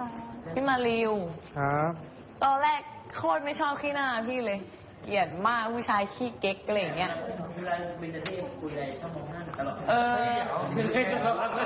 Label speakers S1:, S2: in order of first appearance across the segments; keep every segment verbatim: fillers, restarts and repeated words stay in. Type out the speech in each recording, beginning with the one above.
S1: พี่มาริว
S2: ครับ
S1: ตอนแรกโคตรไม่ชอบขี้หน้าพี่เลยเกลียดมากผู้ชายขี้เก๊กอะไรอย่างเงี้ยเวลาบินจะที่คุยอะไรชอบมองหน้าตลอดเออ
S2: อันนี้คือ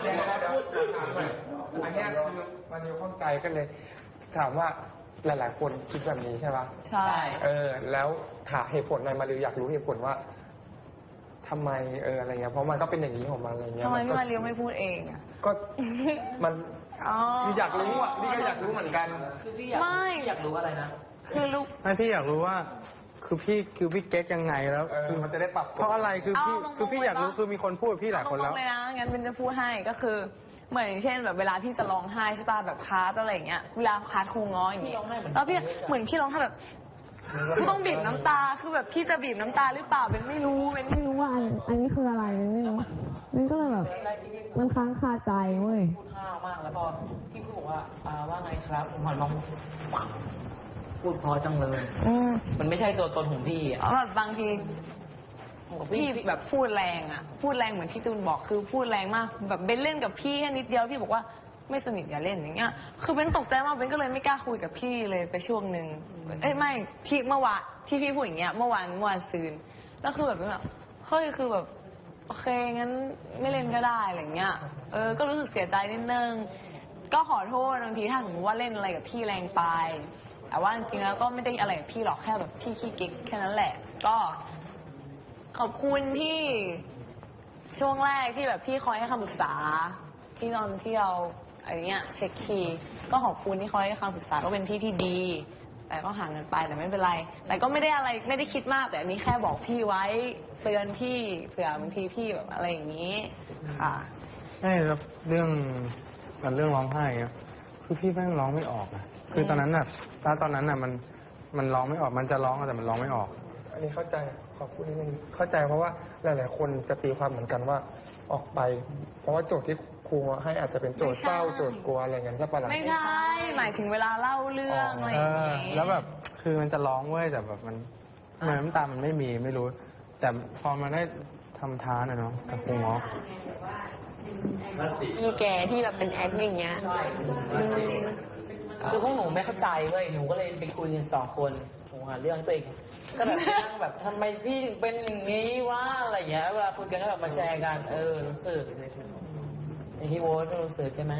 S2: มันมีข้องใจกันเลยถามว่าหลายๆคนคิดแบบนี้ใช่ปะ
S1: ใช่
S2: เออแล้วถามเหตุผลในมาริวอยากรู้เหตุผลว่าทำไมเอออะไรเงี้ยเพราะมันก็เป็นอย่างนี้ของมันอะไรเงี้ย
S1: ทำไมพี่มาริวไม่พูดเองอ่ะ
S2: ก็มันอยากรู้อ่ะนี่ก็อยากรู้เหมือนกัน
S1: ไม่
S3: อยากรู้อะไรนะ
S1: คือลูก
S4: ไม่พี่อยากรู้ว่าคือพี่คือพี่เก๊กยังไงแล้ว
S2: คือมันจะได้ปรับ
S4: เพราะอะไรคือพี่คือพี่อยากรู้คือมีคนพูดพี่หลายคนแล้ว
S1: เลยนะงั้นเป็นจะพูดให้ก็คือเหมือนเช่นแบบเวลาพี่จะร้องไห้ใช่ป่ะแบบคาร์ดอะไรอย่างเงี้ยเวลาคาร์ดครูง้ออย่างเงี้ยแล้วพี่เหมือนพี่ร้องไห้แบบพี่ต้องบีบน้ำตาคือแบบพี่จะบีบน้ำตาหรือเปล่าเป็นไม่รู้เป็นไม่รู้ว่าอันนี้คืออะไรเป็นไม่รู้มันก็เลยแบบมันค้างคาใจเว้ย
S3: พูดห้าวมากแล้วพอพี่พูดบอกว่าอ่าว่าไงครับผมหันมองพูดพอจังเลยมันไม่ใช่ตัวตนของพี่อ่ะ
S1: แบบบางทีพี่แบบพูดแรงอ่ะพูดแรงเหมือนที่ตูนบอกคือพูดแรงมากแบบเบนเล่นกับพี่แค่นิดเดียวพี่บอกว่าไม่สนิทอย่าเล่นอย่างเงี้ยคือเบนตกใจมากเบนก็เลยไม่กล้าคุยกับพี่เลยไปช่วงหนึ่งเอ้ยไม่พี่เมื่อวานที่พี่พูดอย่างเงี้ยเมื่อวานเมื่อวานซืนแล้วคือแบบแบบเฮ้ยคือแบบโอเคงั้นไม่เล่นก็ได้อะไรเงี้ยเออก็รู้สึกเสียใจนิดนึงก็ขอโทษบางทีถ้าสมมติว่าเล่นอะไรกับพี่แรงไปแต่ว่าจริงๆแล้วก็ไม่ได้อะไรกับพี่หรอกแค่แบบพี่ขี้เก๊กแค่นั้นแหละก็ขอบคุณที่ช่วงแรกที่แบบพี่คอยให้คำปรึกษาที่ตอนที่เราอะไรเงี้ยเช็คคีย์ก็ขอบคุณที่คอยให้คำปรึกษาก็เป็นพี่ที่ดีแต่ก็ห่างกันไปแต่ไม่เป็นไรแต่ก็ไม่ได้อะไรไม่ได้คิดมากแต่อันนี้แค่บอกพี่ไว้เตือนพี่เผื่อบางทีพี่แบบอะไรอย่างนี้ค่ะ
S4: ใช่แล้วเรื่องมันเรื่องร้องไห้ครับคือพี่แม่งร้องไม่ออกอะคือตอนนั้นน่ะถ้าตอนนั้นน่ะมันมันร้องไม่ออกมันจะร้องแต่มันร้องไม่ออก
S2: อันนี้เข้าใจขอบคุณนิดนึงเข้าใจเพราะว่าหลายๆคนจะตีความเหมือนกันว่าออกไปเพราะว่าโจทย์ที่ครูให้อาจจะเป็นโจทย์เศร้าโจทย์กลัวอะไรเงี้ยใช่ปะล่ะ
S1: ไม่ใช่หมายถึงเวลาเล่าเรื่องอะไรอย่างเงี้ย
S4: แล้วแบบคือมันจะร้องเว้ยแต่แบบมันเหมือนน้ำตามันไม่มีไม่รู้แต่พอมาได้ทำท้าน่ะเนาะกับครูง้อ
S1: มีแกที่แบบเป็นแอคอย่างเงี้ย
S3: คือพวกหนูไม่เข้าใจเว้ยหนูก็เลยไปคุยกันสองคนหนูหาเรื่องตัวเองก็แบบนั่งแบบทำไมพี่ถึงเป็นอย่างนี้วะอะไรอย่างเงี้ยเวลาคุยกันก็แบบมาแชร์กันเออรู้สึกไอที่โว้ไม่รู้สึกใช่ไหม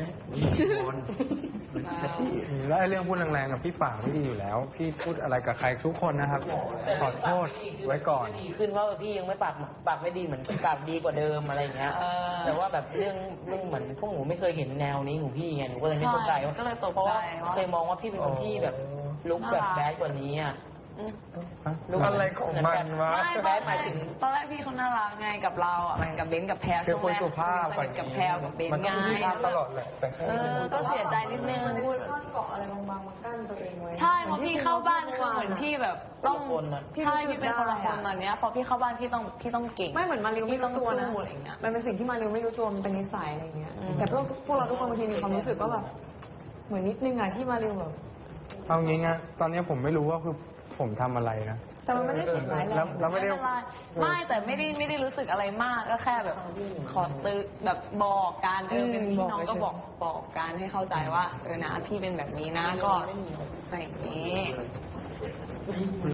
S4: แล้วไอ้เรื่องพูดแรงๆกับพี่ป่าไม่ดีอยู่แล้วพี่พูดอะไรกับใครทุกคนนะครับขอโทษไว้ก่อน
S3: ดีขึ้นว่าพี่ยังไม่ปากปากไม่ดีเหมือนปากดีกว่าเดิมอะไรอย่างเงี้ยแต่ว่าแบบเรื่องเรื่องเหมือนพวกหนูไม่เคยเห็นแนวนี้ของพี่ไงหนูก็เลยไม่เข้าใจว่าเพราะว่าเคยมองว่าพี่เป็นคนที่แบบลุกแบบแบดกว่านี้อ่ะ
S2: รู้อะไรของมันวะ
S1: ไม่แบดหมายถึงตอนแรกพี่เขาน่ารักไงกับเราอ่ะมันกับเบนกับแพรช่วงแรกกับแพรกับเบนไง
S2: ตลอดแหละแต่
S1: เออก็เสียใจนิดนึงพูดเกาะอะไรบางๆมากั้นตัวเองไว้ใช่เพราะพี่เข้าบ้านคือเหมือนพี่แบบต้องใช่พี่เป็นคนละคนตอนเนี้ยพอพี่เข้าบ้านพี่ต้องพี่ต้องเก่ง
S5: ไม่เหมือนมาริวไม่รู้ตัวนะ
S1: มั
S5: นเป็นสิ่งที่มาริวไม่รู้ตัวมันเป็นนิสัยอะไรเงี้ยแต่พวกพวกเราทุกคนบางทีมีความรู้สึกว่าแบบเหมือนนิดนึงอะที่มาริวแบบ
S4: เอางี้นะตอนนี้ผมไม่รู้ว่าคือผมทำอะไรนะ
S5: แต่มันไม่ได้ผิดร้ายแรง
S4: แล้วไม่ได้
S1: ไม่แต่ไม่ได้ไม่ได้รู้สึกอะไรมากก็แค่แบบขอตื้อแบบบอกการเออเป็นพี่น้องก็บอกบอกการให้เข้าใจว่าเออนะพี่เป็นแบบนี้นะก็อะไรอย่างนี้